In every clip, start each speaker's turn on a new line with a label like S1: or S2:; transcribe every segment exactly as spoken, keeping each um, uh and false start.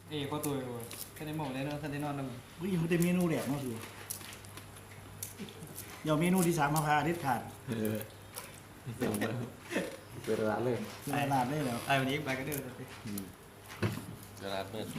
S1: เอ้ยพอตัวอยู่แค่ได้หมองได้นอนแค่ได้นอนนั่ง
S2: เฮ้ยยังไม่ได้เมนูแรกเนาะสิเดี๋ยวเมนูที่สามมาพาอาทิตย์ขาด
S3: เออเจ๋งเลยเป็นร้านเลย
S2: เป็นตลาดได้แล้ว
S1: ไอ้วันนี้ไปก็เดินไป
S4: ตลาดมืด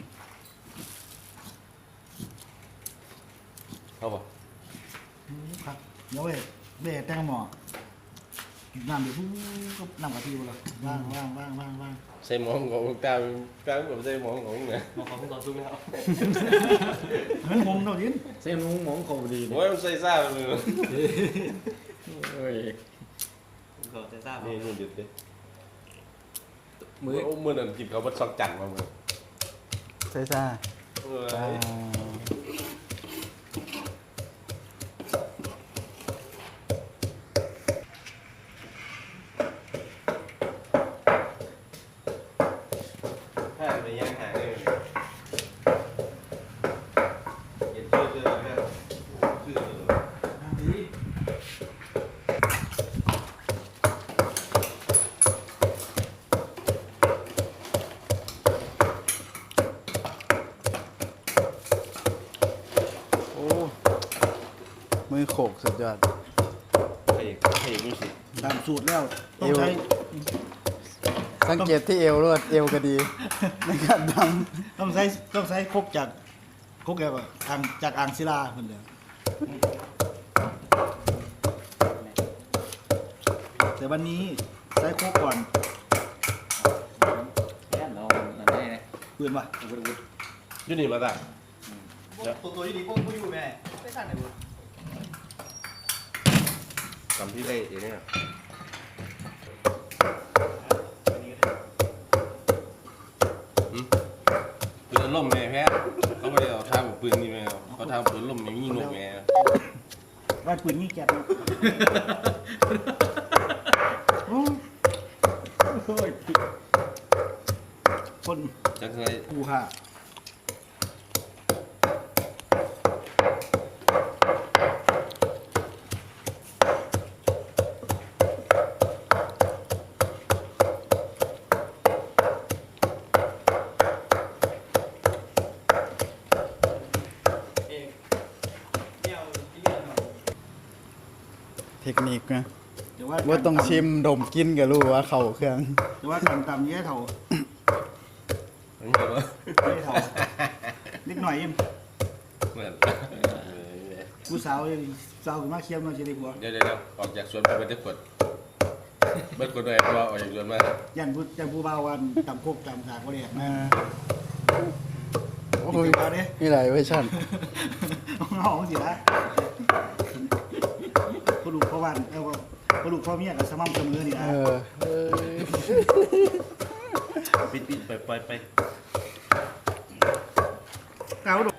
S4: เข้าป่ะ
S2: ครับเดี๋ยวเว้ยเบ้แตงหม้อน้ำเดี๋ยวปุ๊บก็น้ำกะทิละว่างว่างว่างว่างว่าง
S4: ใส่หมองของตามตามแบบใส่หมองของเนี่ย
S1: มองของตอนสู้ไม่เอา
S2: เหมือนผมเท่านี้
S3: เส้นมุ้งมองเขาดี
S4: โอ้ยมันใส่ซ่าเลย
S3: โอ้ย
S1: เขาจะทราบ
S4: นี่นี่หยุดดิ
S3: มื
S4: มื
S3: อ
S4: อโอ้มือนั่นกินเขาบัดซอกจันมามือ
S3: ใช่ซ่า
S4: เออถ้าไปย่างหางเลยเย็นชื่อชื่ออะไรนะชื่ออะไร
S3: โอ้มือโขกสุดยอด
S4: ใครใครรู้สึก
S2: ตามสูตรแล้วต้องใช้
S3: สังเกตที่เอวรวดเอวก็ดีในการท
S2: ต้องใช้ต้องใช้ครกจากครกแบบอ่างจากอ่างศิลาคนเดียวแต่วันนี้ใช้ครกก่อน
S1: แค่เรานั่นได้นะ
S2: ปืนวะ
S4: ยูนี่มาได้
S1: ตัวตัวดีพวกผู้อยู่แม่ไม่สั่นไหนบุ
S4: ทำที่เล่เองเนี่ยปืนล่มแม่แพ้เขาไม่ได้เอาท่าปืนนี่แม่เขาท่าปืนล่มอย่างนี้นกแม่
S2: ว่าปืนนี่แก๊สเนาะโอ้ยโอ้ยคน
S4: จังเคย
S2: กูค่ะ
S1: เอ้ยเดี่ยวกินเดี่ยวหน่อย
S3: ำเทคนิคนะ
S2: แต่ว่า
S3: ว่าต้องชิมดมกินก็รู้ว่าเข่าเครื่อง
S2: แต่ว่าการตำแย่เท่า
S4: เหมือนกันว่า
S2: แย่เท่านิดหน่อยเอง
S4: เหมือน
S2: กูสาวยังสาวขึ้นมาเคี้ยวมาจะได้กว่า
S4: เดี๋ยวเดี๋ยวออกจากสวนไปเป็นได้ขวดเมื่อคนใดว่าออกจากสวนมา
S2: ยันพูยันผู้บ่าววันตำโคกตำสากก็เรียกนะ
S3: อ่าโอ้
S2: โอ้
S3: ย
S2: ยมาเด้
S3: มีหลายเวอร์ชัน
S2: เอาสิละพอลูกพ่อวันเออพอลูกพ่อเมียกับสม่ำเสมอนี่นะ
S3: เออเออ
S4: ปิดปิดไปไปไป
S2: เอา